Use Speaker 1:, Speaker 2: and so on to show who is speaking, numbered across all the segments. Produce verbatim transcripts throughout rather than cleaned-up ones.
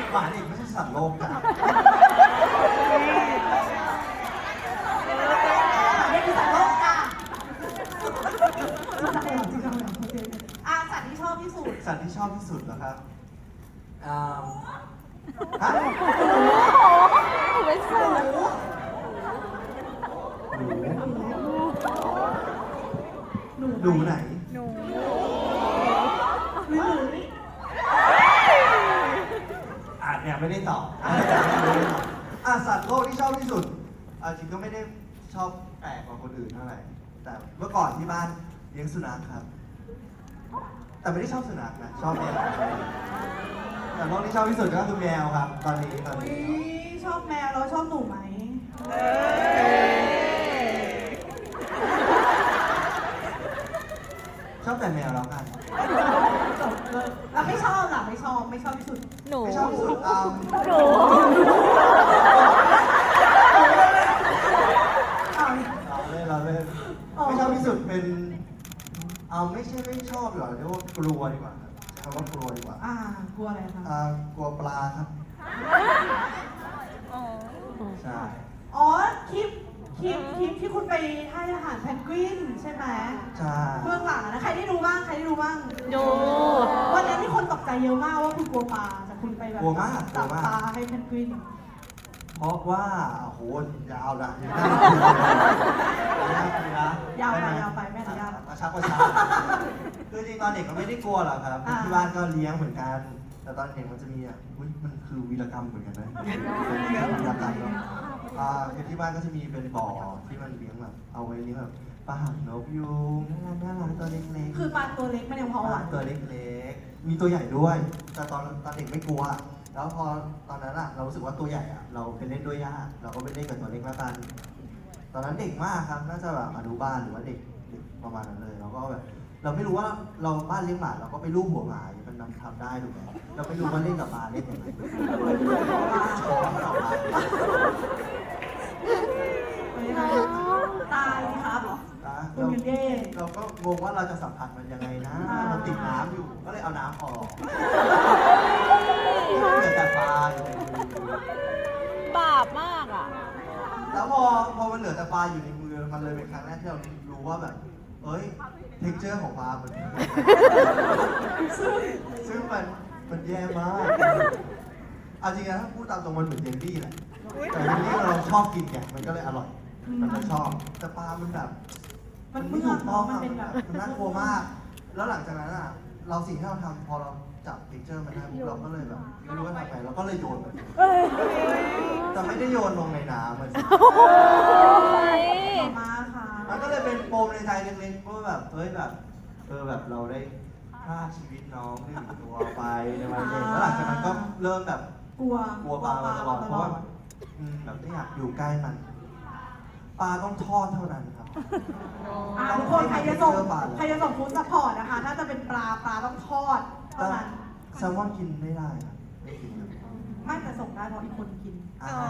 Speaker 1: หมาเด็กไม่ใช่สัตว์โลกจ้ะ
Speaker 2: เรียกคือสัตว์โลกจ้ะอาสัตว์ที่ชอบที่สุด
Speaker 1: สัตว์ที่ชอบที่สุดเหรอครับอ่าฮะ
Speaker 3: ไม่ใช่
Speaker 1: หนูหนูไหน
Speaker 3: หนู
Speaker 2: หรือหรือ
Speaker 1: อ่ะเนี่ยไม่ได้ตอบอ่ะสัตว์โลกที่ชอบที่สุดอ่ะจริงก็ไม่ได้ชอบแปลกกว่าคนอื่นเท่าไหร่แต่เมื่อก่อนที่บ้านเลี้ยงสุนัขครับ แต่ไม่ได้ชอบสุนัขนะชอบแมวแต่โลกที่ชอบที่สุดก็คือแมวครับ ตอนนี้ตอน
Speaker 2: อุ๊ย
Speaker 1: นี้
Speaker 2: ชอบแมวแล้วชอบหนูไหม
Speaker 1: ชอบแต่แมวแล้วกัน
Speaker 2: จบเลยแล้วไม่ชอบล่ะไม่ชอบไม่ชอบที่สุด
Speaker 3: หนู
Speaker 1: ไม่ชอบที่สุดอืม
Speaker 3: หนู
Speaker 2: เอา
Speaker 1: เราเล่นเราเล่นไม่ชอบที่สุดเป็นเอาไม่ใช่ไม่ชอบหรอกเรียกว่ากลัวดีกว่าครับใช้คำว่ากลัวดีกว่า
Speaker 2: อ่ากลัวอะไรคะ
Speaker 1: อ่ากลัวปลาครับ
Speaker 3: อ๋อ
Speaker 1: ใช่
Speaker 2: อ๋อคลิปคลิปคลิปที่คุณไปให้อาหารแพนกวินใช่ไหม
Speaker 1: ใช่
Speaker 2: เบื้องหลังนะใครได้ดูบ้างใครได้ดูบ้าง
Speaker 3: ดู
Speaker 2: วันนั้นที่คนตกใจเยอะมากว่าคุณกลัวปลาแต่คุณไปแบบ
Speaker 1: กลัวมากกลั
Speaker 2: จั
Speaker 1: ว
Speaker 2: บ
Speaker 1: มาก
Speaker 2: ปลาให้แพนกวิน
Speaker 1: เพราะว่าโอ้โหยาวนะยาวนะ
Speaker 2: ยาวไปยาวไปไม่อนุญาต
Speaker 1: กระชับกระชับคือจริงตอนเด็กก็ไม่ได้กลัวหรอกครับ
Speaker 2: อ่า
Speaker 1: ที่บ้านก็เลี้ยงเหมือนกัน แต่ตอนเด็กมันจะมีอ่ะอุ๊ยมันคือวีรกรรมเหมือนกันนะเป็นวีรกรรมเนาะอ่าคือที่บ้านก็จะมีเป็นบ่อที่มันเลี้ยงแบบเอาไว้เลี้ยงแบบปลาหางนกยูงน่ารักน่ารักตัวเล็กๆ
Speaker 2: คือปลาตัวเล็กมันยังพอหวาน
Speaker 1: ตัวเล็กๆ มีตัวใหญ่ด้วย แต่ตอนตอนเด็กไม่กลัว แล้วพอตอนนั้นอะเรารู้สึกว่าตัวใหญ่อะเราไปเล่นด้วยยากเราก็ไปเล่นกับตัวเล็กแล้วกัน ตอนนั้นเด็กมากครับ น่าจะแบบอนุบาลหรือว่าเด็กเด็กประมาณนั้นเลย เราก็แบบ เราไม่รู้ว่าเราบ้านเลี้ยงหมาเราก็ไปลูบหัวหมามันนำทำได้ถูกไหมเราไม่รู้ว่าเล่นกับหมาเล่นยังไงช้อนมันออกมา
Speaker 2: ตายครับ
Speaker 1: นะ
Speaker 2: คุณยูเย่
Speaker 1: เราก็งงว่าเราจะสัมผัสมันยังไงนะ มันติดน้ำอยู่ ก็เลยเอาน้ำออกเหลือแต่ปลาอยู่ในมือ
Speaker 3: บาปมากอ่ะ
Speaker 1: แล้วพอพอมันเหลือแต่ปลาอยู่ในมือ มันเลยเป็นครั้งแรกที่เรารู้ว่าแบบ เอ้ย เท็กเจอร์ของปลา มันซึ่งซึ่งมันมันแย่มากเอาจริงๆถ้าพูดตามตรงมันเหมือนเยลลี่แหละ แต่เยลลี่เราชอบกินไงมันก็เลยอร่อย มันเลยชอบ แต่ปลา มันแบบ
Speaker 2: มัน
Speaker 1: ไม่
Speaker 2: เมื่
Speaker 1: ถู
Speaker 2: อก
Speaker 1: ต้อง
Speaker 2: มัน
Speaker 1: อะ
Speaker 2: เป็นแบบ
Speaker 1: มันน่ากลัวมาก แล้วหลังจากนั้นอ่ะ เราสิ่งที่เราทำพอเราจับเท็กเจอร์มันได้ปุ๊บเราก็เลยแบบไม่รู้ว่าทำไงเราก็เลยโยนมันแต่ไม่ได้โยนลงในน้ำมันสิ
Speaker 2: มาค่ะ
Speaker 1: มันก็เลยเป็นปมในใจเล็กๆว่าแบบเอ้ยแบบเออแบบเราได้ฆ่าชีวิตน้องหนึ่งตัวไปในวันเด็กแล้วหลังจากนั้นก็เริ่มแบบ
Speaker 2: กลัว
Speaker 1: กลัวปลามาตลอดเพราะว่าอืมแบบไม่อยากอยู่ใกล้มัน ปลาต้องทอดเท่านั้นครับ
Speaker 2: อ่าทุกคนใครจะส่งใครจะส่งฟู้ดซัพพอร์ตนะคะ ถ้าจะเป็นปลาปลาต้องทอดเท่านั้น
Speaker 1: แซลมอนกินไม่ได้ครับไม่กินเลย
Speaker 2: ไม่แต่ส่งได้เพราะอีกคนกิน
Speaker 1: อ่า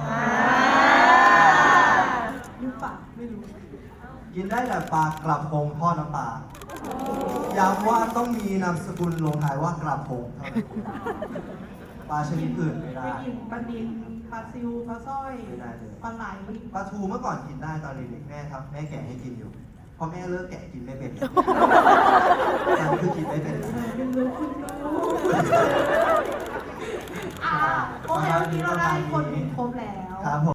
Speaker 2: หรือเปล่าไม่รู้
Speaker 1: กินได้แต่ปลากระพงทอดน้ำปลาย้ำว่าต้องมีนามสกุลลงท้ายว่ากระพงเท่านั้นปลาชนิดอื่นไม่ได้
Speaker 2: ไม่กินปลาดินปลาซิวปลาสร้อย
Speaker 1: ไม่ได้เลย
Speaker 2: ปลาไหล
Speaker 1: ปลาทูเมื่อก่อนกินได้ตอนเด็กๆแม่ครับแม่แกะให้กินอยู่พอแม่เลิกแกะกินไม่เป็นนั่นคือกินไม่เป็น
Speaker 2: คุณรู้คุณรู้อ่าโอเควันนี้เราได้คนหนึ่งครบแล้ว
Speaker 1: ครับผม